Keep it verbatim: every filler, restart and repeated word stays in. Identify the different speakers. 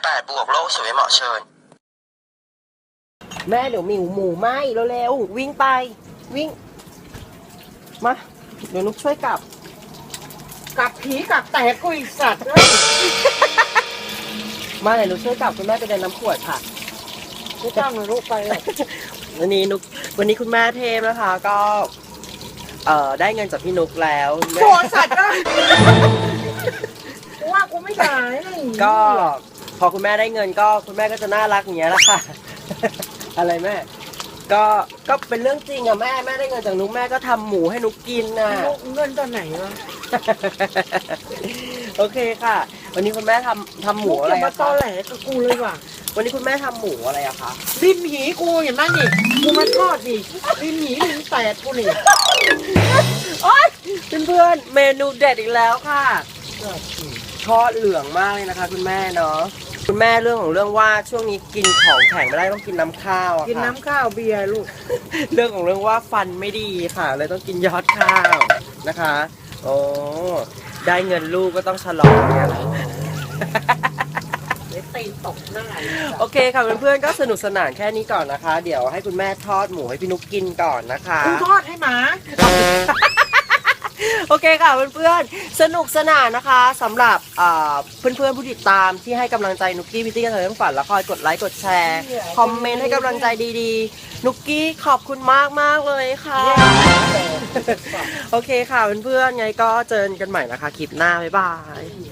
Speaker 1: แปดบวกโลกสวยเหมาะเชิญ
Speaker 2: แม่เดี๋ยวหมิวหมูไหมเร็วๆวิ่งไปวิ่งมาเดี๋ยวนุกช่วยกลับ
Speaker 3: กลับผีกลับแตกกุยสัตว์
Speaker 2: มาเดี๋ยวนุกช่วยกลับคุณแม่ไปเดินน้ำขวดค่ะ
Speaker 3: ไม่ต้องนะลูกไปเลย
Speaker 2: วันนี้นุกวันนี้คุณแม่เทพนะคะก็เอ่อได้เงินจากพี่นุกแล้ว
Speaker 3: โกรธสัตว์นะว่ากูไม่ได้
Speaker 2: ก็พอคุณแม่ได้เงินก็คุณแม่ก็จะน่ารักอย่างเงี้ยแหละค่ะ อะไรแม่ก็ก็เป็นเรื่องจริงอะแม่แม่ได้เงินจากนุกแม่ก็ทำหมูให้นุกกินน่ะ
Speaker 3: เงินตอนไหนวะ
Speaker 2: โอเคค่ะวันนี้คุณแม่ทำทำหมูอะไร
Speaker 3: มาตอแหลกับกูเลยว่ะ
Speaker 2: วันนี้คุณแม่ทำหมูอะไรอะคะ
Speaker 3: ริมหีกูเห็นไหมนี่กูมาทอดนี่ริมหีริมแตกกูนี่
Speaker 2: โอ๊ยเพื่อนๆเมนูเด็ดอีกแล้วค่ะทอดเหลืองมากเลยนะคะคุณแม่เนาะคุณแม่เรื่องของเรื่องว่าช่วงนี้กินของแข็งไม่ได้ต้องกินน้ำข้าวอะค่ะ
Speaker 3: กินน้ำข้าวเบียร์ลูก
Speaker 2: เรื่องของเรื่องว่าฟันไม่ดีค่ะเลยต้องกินยอดข้าวนะคะโอ้ได้เงินลูกก็ต้องฉลองเนี่ย
Speaker 3: ตีตกหน้า
Speaker 2: โอเคค่ะเพื่อนๆก็สนุกสนานแค่นี้ก่อนนะคะ เดี๋ยวให้คุณแม่ทอดหมูให้พี่นุกกินก่อนนะคะ
Speaker 3: กูทอดให้หมา
Speaker 2: โอเคค่ะเพื่อนๆสนุกสนานนะคะสำหรับเพื่อนๆผู้ติดตามที่ให้กำลังใจนุกกี้พิตตี้กันเถอะทั้งฝันแล้วคอยกดไลค์กดแชร์คอมเมนต์ให้กำลังใจดีๆนุกกี้ขอบคุณมากมากเลยค่ะโอเคค่ะเพื่อนๆไงก็เจอกันใหม่นะคะคลิปหน้าบ๊ายบาย